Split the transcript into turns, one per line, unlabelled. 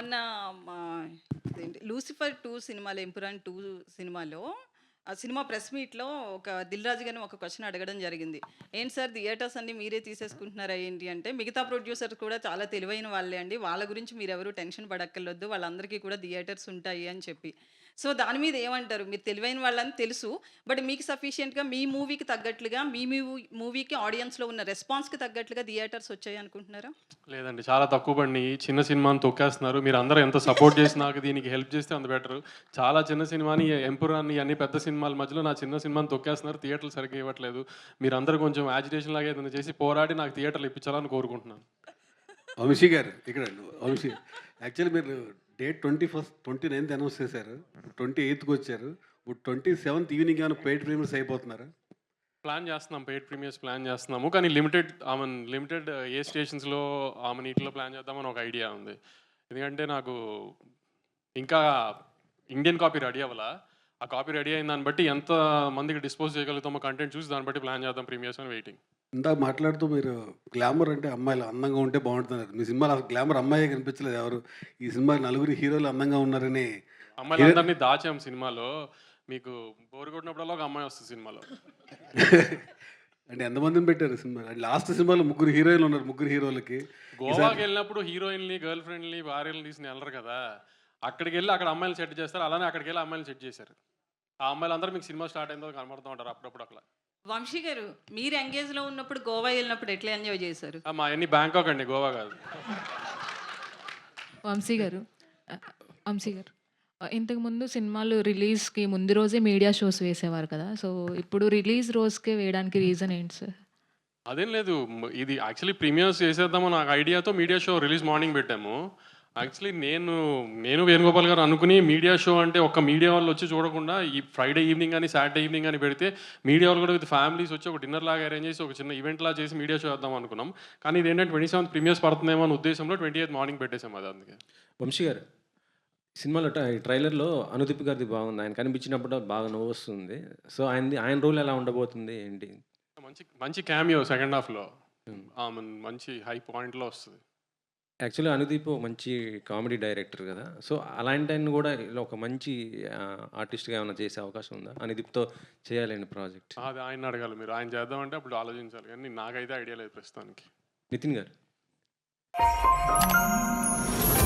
మొన్న మా ఇదేంటి 'లూసిఫర్ 2' సినిమాలో 'ఎంపురాన్ 2' సినిమాలో ఆ సినిమా ప్రెస్ మీట్‌లో ఒక 'దిల్ రాజు' గారిని ఒక క్వెషన్ అడగడం జరిగింది. "ఏంటి సార్ థియేటర్స్ అన్నీ మీరే తీసేసుకుంటున్నారా ఏంటి?" అంటే, "మిగతా ప్రొడ్యూసర్స్ కూడా చాలా తెలివైన వాళ్ళే అండి. వాళ్ళ గురించి మీరెవరు టెన్షన్ పడక్కర్లొద్దు. వాళ్ళందరికీ కూడా థియేటర్స్ ఉంటాయి" అని చెప్పి. సో, దాని మీద ఏమంటారు? మీరు తెలివైన వాళ్ళని తెలుసు. బట్ మీకు సఫిషియెంట్‌గా మీ మూవీకి తగ్గట్లుగా మీ మూవీకి ఆడియన్స్‌లో ఉన్న రెస్పాన్స్‌కి తగ్గట్లుగా థియేటర్స్ వచ్చాయనుకుంటున్నారా?
లేదండి. చాలా తక్కువ పడినియి. చిన్న సినిమాని తొక్కేస్తున్నారు. మీరందరూ ఎంత సపోర్ట్ చేసి నాకు దీనికి హెల్ప్ చేస్తే అంత బెటరు. చాలా చిన్న సినిమాని 'ఎంపురాన్ని' అన్ని పెద్ద సినిమాల మధ్యలో నా చిన్న సినిమాని తొక్కేస్తున్నారు. థియేటర్లు సరిగ్గా ఇవ్వట్లేదు. మీరందరూ కొంచెం యాజిటేషన్ లాగా ఏదైనా చేసి పోరాడి నాకు థియేటర్లు ఇప్పించాలని కోరుకుంటున్నాను.
వంశీ గారు ఇక్కడ వంశీ యాక్చువల్లీ మీరు డేట్ 29th అనౌన్స్ చేశారు. 28కి వచ్చారు. ఇప్పుడు 27th ఈవినింగ్ ఏమైనా పెయిడ్ ప్రీమియర్స్ అయిపోతున్నారా?
ప్లాన్ చేస్తున్నాం. పెయిడ్ ప్రీమియర్స్ ప్లాన్ చేస్తున్నాము. కానీ లిమిటెడ్ ఏ స్టేషన్స్‌లో ఈటిలో ప్లాన్ చేద్దామని ఒక ఐడియా ఉంది. ఎందుకంటే నాకు ఇంకా ఇండియన్ కాపీ రెడీ అవ్వలా. ఆ కాపీ రెడీ అయిన దాన్ని బట్టి ఎంత మందికి డిస్పోజ్ చేయగలుగుతామో కంటెంట్ చూసి దాన్ని బట్టి ప్లాన్ చేద్దాం ప్రీమియర్స్ అని వెయిటింగ్.
ఇందాక మాట్లాడుతూ మీరు గ్లామర్ అంటే అమ్మాయిలు అందంగా ఉంటే బాగుంటున్నారు. మీ సినిమాలో అసలు గ్లామర్ అమ్మాయే కనిపించలేదు ఎవరు. ఈ సినిమా నలుగురు హీరోలు అందంగా ఉన్నారని
అమ్మాయిలందరినీ దాచాం సినిమాలో. మీకు బోర్ కొట్టినప్పుడల్లా ఒక అమ్మాయి వస్తుంది సినిమాలో.
అంటే ఎంతమందిని పెట్టారు సినిమా? లాస్ట్ సినిమాలో ముగ్గురు హీరోయిన్లు ఉన్నారు. ముగ్గురు హీరోలకి
గోవాకి వెళ్ళినప్పుడు హీరోయిన్‌ని, గర్ల్ ఫ్రెండ్‌ని, భార్యలను తీసుకొని వెళ్ళరు కదా! అక్కడికి వెళ్ళి అక్కడ అమ్మాయిలు సెట్ చేస్తారు. అలానే అక్కడికి వెళ్ళి అమ్మాయిలు సెట్ చేశారు. ఆ అమ్మాయిలందరూ మీకు సినిమా స్టార్ట్ అయిన తర్వాత కనబడుతూ ఉంటారు అప్పుడప్పుడు అట్లా.
వంశీ గారు, మీరు ఎంగేజ్‌లో ఉన్నప్పుడు గోవా ఎళ్ళినప్పుడు ఎట్లా ఎంజాయ్ చేశారు?
మాయన్నీ బ్యాంకాక్ అండి, గోవా కాదు.
వంశీ గారు వంశీ గారు ఇంతకుముందు సినిమాలు రిలీజ్‌కి ముందు రోజే మీడియా షోస్ వేసేవారు కదా! సో, ఇప్పుడు రిలీజ్ రోజుకే వేయడానికి రీజన్ ఏంటి సార్?
అదేం లేదు. ఇది యాక్చువల్లీ ప్రీమియర్స్ చేసేద్దామని నాకు ఐడియాతో మీడియా షో రిలీజ్ మార్నింగ్ పెట్టాము. యాక్చువల్లీ నేను వేణుగోపాల్ గారు అనుకుని మీడియా షో అంటే ఒక్క మీడియా వాళ్ళు వచ్చి చూడకుండా ఈ ఫ్రైడే ఈవినింగ్ కానీ సాటర్డే ఈవినింగ్ అని పెడితే మీడియా వాళ్ళు కూడా విత్ ఫ్యామిలీస్ వచ్చి ఒక డిన్నర్ లాగా అరేంజ్ చేసి ఒక చిన్న ఈవెంట్ లాగా చేసి మీడియా షో వేద్దాం అనుకున్నాం. కానీ ఇదేంటంటే 27th ప్రీమియర్స్ పడుతుందేమో అనే ఉద్దేశంలో 28th మార్నింగ్ పెట్టేసాం అది అందుకే.
వంశీ గారు సినిమాలో ట్రైలర్‌లో అనుదీప్ గారిది బాగుంది. ఆయన కనిపించినప్పుడు బాగా నవ్వొస్తుంది. సో, ఆయన రోల్ ఎలా ఉండబోతుంది ఏంటి?
మంచి మంచి క్యామియో సెకండ్ హాఫ్‌లో. మంచి హై పాయింట్‌లో వస్తుంది.
యాక్చువల్లీ అనుదీప్ మంచి కామెడీ డైరెక్టర్ కదా! సో, అలాంటి ఆయన్ని కూడా ఇలా ఒక మంచి ఆర్టిస్ట్‌గా ఏమైనా చేసే అవకాశం ఉందా? అనుదీప్‌తో చేయాలండి ప్రాజెక్ట్.
అది ఆయన్ని అడగాలి మీరు. ఆయన చేద్దామంటే అప్పుడు ఆలోచించాలి. కానీ నాకైతే ఐడియా లేదు ప్రస్తుతానికి.
నితిన్ గారు